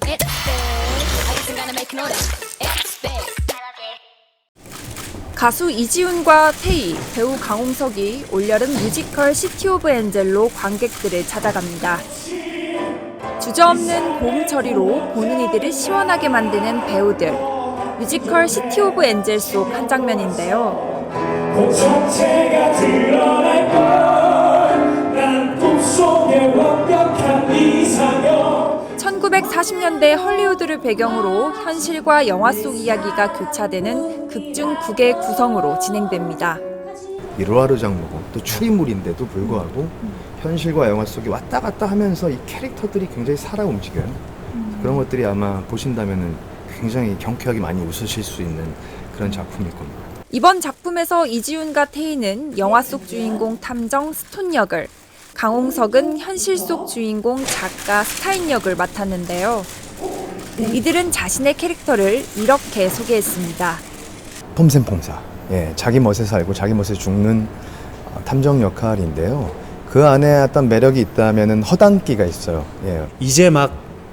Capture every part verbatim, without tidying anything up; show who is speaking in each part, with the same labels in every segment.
Speaker 1: 가수 이지훈과 태희, 배우 강홍석이 올여름 뮤지컬 시티 오브 엔젤로 관객들을 찾아갑니다. 주저없는 고음 처리로 보는 이들을 시원하게 만드는 배우들. 뮤지컬 시티 오브 엔젤 속 한 장면인데요. 천구백사십 년대 헐리우드를 배경으로 현실과 영화 속 이야기가 교차되는 극중 국의 구성으로 진행됩니다.
Speaker 2: 일화로 장르고 또 추리물인데도 불구하고 현실과 영화 속에 왔다 갔다 하면서 이 캐릭터들이 굉장히 살아 움직여요. 그런 것들이 아마 보신다면 굉장히 경쾌하게 많이 웃으실 수 있는 그런 작품일 겁니다.
Speaker 1: 이번 작품에서 이지훈과 태희는 영화 속 주인공 탐정 스톤 역을, 강홍석은 현실 속 주인공 작가 스타인 역을 맡았는데요. 이들은 자신의 캐릭터를 이렇게 소개했습니다.
Speaker 2: 폼생폼사, 예, 자기 멋에 살고 자기 멋에 죽는 탐정 역할인데요. 그 안에 어떤 매력이 있다면 허당기가 있어요. 예.
Speaker 3: 이제 막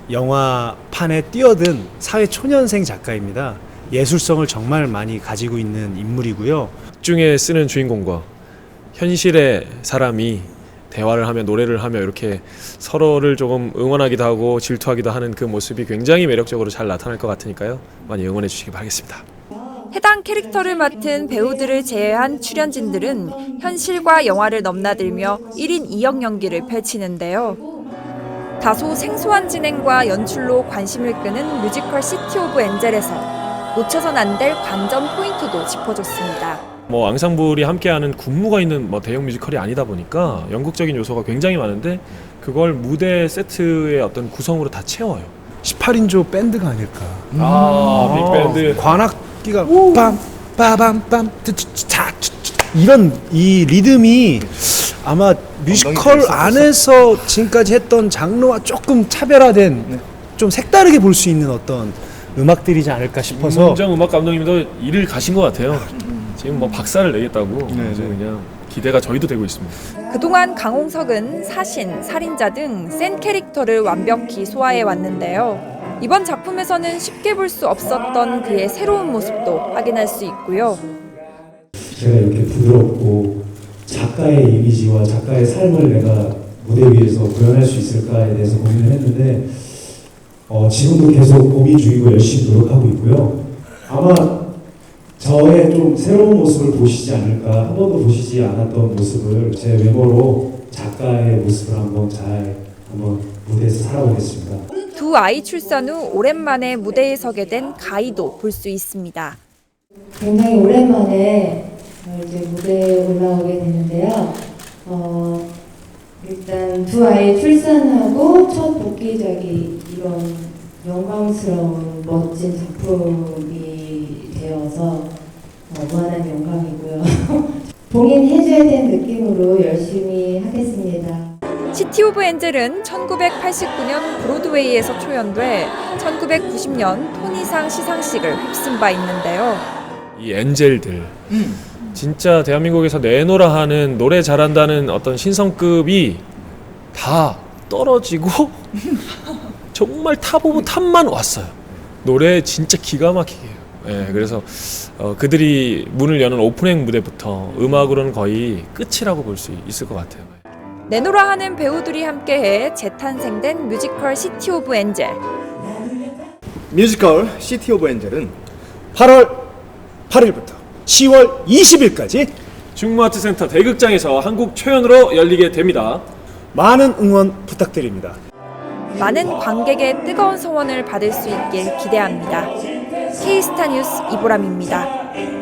Speaker 3: 영화판에 뛰어든 사회 초년생 작가입니다. 예술성을 정말 많이 가지고 있는 인물이고요.
Speaker 4: 중에 쓰는 주인공과 현실의 사람이 대화를 하며 노래를 하며 이렇게 서로를 조금 응원하기도 하고 질투하기도 하는 그 모습이 굉장히 매력적으로 잘 나타날 것 같으니까요. 많이 응원해 주시기 바라겠습니다.
Speaker 1: 해당 캐릭터를 맡은 배우들을 제외한 출연진들은 현실과 영화를 넘나들며 일 인 이 역 연기를 펼치는데요. 다소 생소한 진행과 연출로 관심을 끄는 뮤지컬 시티 오브 엔젤에서 놓쳐선 안 될 관전 포인트도 짚어줬습니다.
Speaker 4: 뭐 앙상블이 함께하는 군무가 있는 뭐 대형 뮤지컬이 아니다 보니까 연극적인 요소가 굉장히 많은데 그걸 무대 세트의 어떤 구성으로 다 채워요.
Speaker 3: 십팔 인조 밴드가 아닐까.
Speaker 4: 음. 아, 빅밴드.
Speaker 3: 관악기가 빰 빠밤 빰 차 이런 이 리듬이 아마 뮤지컬 안에서 지금까지 했던 장르와 조금 차별화된 네. 좀 색다르게 볼 수 있는 어떤 음악들이지 않을까 싶어서.
Speaker 4: 임은정 음악 감독님도 일을 가신 것 같아요. 지금 뭐 박사를 내겠다고 그래서 그냥 기대가 저희도 되고 있습니다.
Speaker 1: 그동안 강홍석은 사신, 살인자 등 센 캐릭터를 완벽히 소화해 왔는데요. 이번 작품에서는 쉽게 볼 수 없었던 그의 새로운 모습도 확인할 수 있고요.
Speaker 5: 제가 이렇게 부드럽고 작가의 이미지와 작가의 삶을 내가 무대 위에서 구현할 수 있을까에 대해서 고민을 했는데 어, 지금도 계속 고민 중이고 열심히 노력하고 있고요. 아마 저의 좀 새로운 모습을 보시지 않을까, 한 번도 보시지 않았던 모습을 제 외모로 작가의 모습을 한번 잘 한번 무대에서 살아보겠습니다.
Speaker 1: 두 아이 출산 후 오랜만에 무대에 서게 된 가희도 볼 수 있습니다.
Speaker 6: 굉장히 오랜만에 이제 무대에 올라오게 되는데요. 어, 일단 두 아이 출산하고 첫 복귀작이 이런 영광스러운 멋진 작품이 되어서 어, 무한한 영광이고요. 봉인해줘야 될 느낌으로 열심히 하겠습니다.
Speaker 1: 시티 오브 엔젤은 천구백팔십구 년 브로드웨이에서 초연돼 천구백구십 년 토니상 시상식을 휩쓴 바 있는데요.
Speaker 4: 이 엔젤들 음. 진짜 대한민국에서 내노라 하는 노래 잘한다는 어떤 신성급이 다 떨어지고 정말 탑 오브 탑만 왔어요. 노래 진짜 기가 막히게 해요. 예, 그래서 어, 그들이 문을 여는 오프닝 무대부터 음악으로는 거의 끝이라고 볼 수 있을 것 같아요.
Speaker 1: 내노라 하는 배우들이 함께해 재탄생된 뮤지컬 시티 오브 엔젤.
Speaker 2: 뮤지컬 시티 오브 엔젤은
Speaker 3: 팔월 팔일부터 시월 이십일까지
Speaker 4: 중무아트센터 대극장에서 한국 초연으로 열리게 됩니다.
Speaker 3: 많은 응원 부탁드립니다.
Speaker 1: 많은 관객의 뜨거운 성원을 받을 수 있길 기대합니다. K스타 뉴스 이보람입니다.